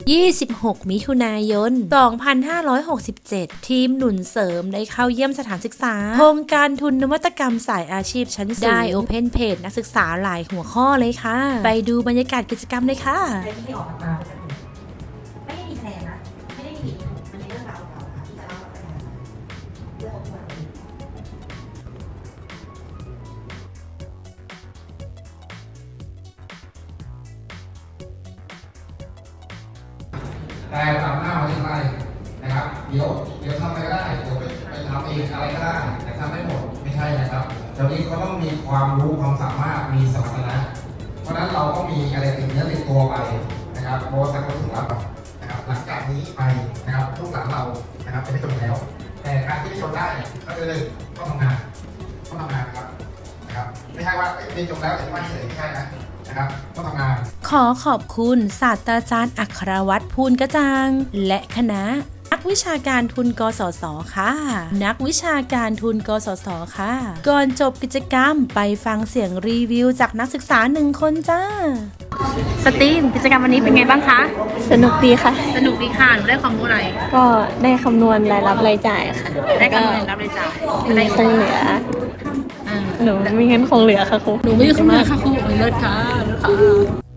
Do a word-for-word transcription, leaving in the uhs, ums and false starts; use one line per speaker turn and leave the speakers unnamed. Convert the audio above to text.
ยี่สิบหก มิถุนายน สองพันห้าร้อยหกสิบเจ็ด ทีมหนุนเสริมได้เข้าเยี่ยมสถานศึกษาโครงการทุนนวัตกรรมสายอาชีพชั้นสูงได้โอเพนเพจนักศึกษาหลายหัวข้อเลยค่ะ ไปดูบรรยากาศกิจกรรมเลยค่ะ
อะไรที่ไม่ออกมาไม่ได้มีแพลนนะไม่ได้มีเหตุผลมันเป็นเรื่องราวเก่าค่ะที่จะเล่าไปเรื่องของตัวเอง
แต่ตามหน้าวิทยาลัยนะครับเดี๋ยวเดี๋ยวทำอะไรก็ได้เดี๋ยวไปไปทำเองอะไรก็ได้แต่ทำไม่หมดไม่ใช่นะครับเดี๋ยวนี้เขาต้องมีความรู้ความสามารถมีสมรรถนะเพราะฉะนั้นเราก็มีอะไรติดเนื้อติดตัวไปนะครับโบสักคนถึงรับนะครับหลังจากนี้ไปนะครับทุกหลังเรานะครับจะไม่จบแล้ว แต่การที่ไม่จบได้ก็คือต้องทำงานต้องทำงานครับนะครับไม่ใช่ว่าเรียนจบแล้วแต่ไม่เฉยไม่ใช่นะนะครับต้องทำงาน
ขอขอบคุณศาสตราจารย์อัครวัตรภูลกระจ่างและคณะนักวิชาการทุนกสศค่ะ นักวิชาการทุนกสศค่ะ ก่อนจบกิจกรรมไปฟังเสียงรีวิวจากนักศึกษาหนึ่งคนจ้า สตีมกิจกรรมวันนี้เป็นไงบ้างคะ
สนุกดีค่ะ
สนุกดีค่ะหนูได้ความรู้อะไร
ก็ได้คำนวณรายรับรายจ่ายค่ะ
ได้คำนวณรับรายจ่าย
มีคงเหลือ
อ่า
หนูมีเงินคงเหลือค่ะครู
หนูไม่ได้คำนวณค่ะครูเลิศค่ะเลิศค่ะ